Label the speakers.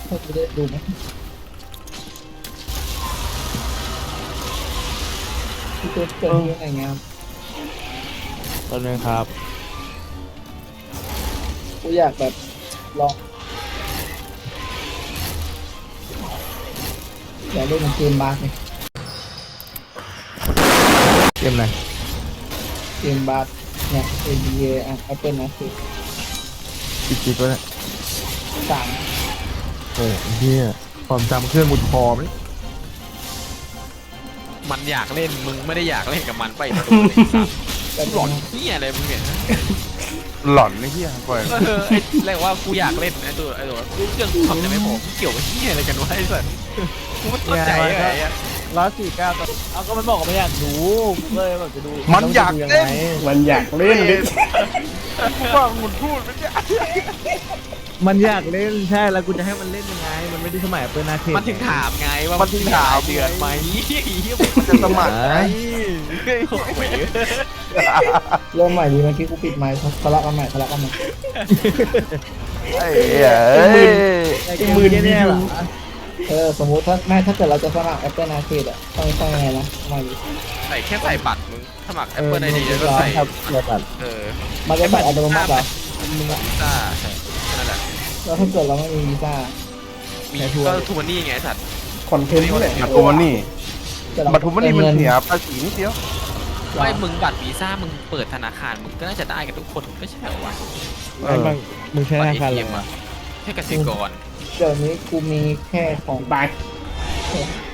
Speaker 1: เขาจะได้ดูไหมพี่ตัวเกิดที่ไหนเงี้ย
Speaker 2: ตอนนึงครับ
Speaker 1: กูอยากแบบลองอยากเล่นเกมบาสเนี่ย
Speaker 2: เกมไหน
Speaker 1: เกมบาสเนี่ย NBA อ่ะ Apple นะคือ
Speaker 2: จิกๆวะเนี่ย
Speaker 1: สาม
Speaker 2: โอ้เฮียความจำเครื่องมุดคอไหม
Speaker 3: มันอยากเล่นมึงไม่ได้อยากเล่นกับมันไปมาดูเลยสัตว์
Speaker 1: แบบ
Speaker 3: หลอนเฮียอะไรมึงเนี่ย
Speaker 2: หล่อนไอ้เฮียก่อน
Speaker 3: ไอ้เรียกว่ากูอยากเล่นไอ้ตัวเครื่องกูทำได้ไม่พอกูเกี่ยวกับเฮียอะไรกันวะไอ้สัตว์กูไม่เข้าใจไอ้อะ
Speaker 2: 149ตัวเอาก็มันบอกว่าไม่อยากดูกูก็เลยแบบจะดู
Speaker 4: มันอยากเล่น
Speaker 5: มันอยากเล่นดิ
Speaker 4: ฟังมันพูดไม่ใช่
Speaker 2: มันอยากเล่นใช่แล้วกูจะให้มันเล่นยังไง มันไม่ได้สมัยเปิดนาเท
Speaker 3: มันถึงถามไงว่ามันเดือนไหมเฮีย
Speaker 4: มันจะสมัครไง
Speaker 3: โอ้ย
Speaker 1: เริ่มใหม่ดีเมื่อกี้กูปิดไมค์ทะเลาะกันใหม่ทะเลาะกันใหม่
Speaker 4: ไอ้เหี้ยเอ้ย
Speaker 2: ไอ้มือเนี่ยเหรอ
Speaker 1: สมมุติถ้าเกิดเราจะสมัคร Apple Arcade อ่ะต้องยังไงนะทำไมดิ
Speaker 3: ใส่แค่ใส่บัตรมึงสมัคร Apple ID แล้วก็ใส่
Speaker 2: ครับเปิดบัตร
Speaker 1: มันจะบัตรอัตโนมัติเหรอ
Speaker 3: มึงวีซ่าใช่นั่นแหละ
Speaker 1: แล้วถ้าเกิดเราไม่มีวีซ่า
Speaker 3: มีก็ทูมันนี่ไงสัตว์
Speaker 5: คอนเทนต์นี่แหละ
Speaker 4: บัตรทุมันนี่
Speaker 1: แต่เรา
Speaker 4: บัตรทุมันนี่มันเสียภาษีนิดเดียว
Speaker 3: ไม่มึงบัตรวีซ่ามึงเปิดธนาคารมึงก็น่าจะได้กันทุกคนไม่ใช่เหรอวะ
Speaker 2: ไอ้บางมึงใช้ธ
Speaker 3: บัตร
Speaker 2: นาคาร
Speaker 3: ATM
Speaker 2: อะไร
Speaker 3: อะแค่กสิกร
Speaker 1: เดี๋ยวนี้กูมีแค่ของ
Speaker 5: บาย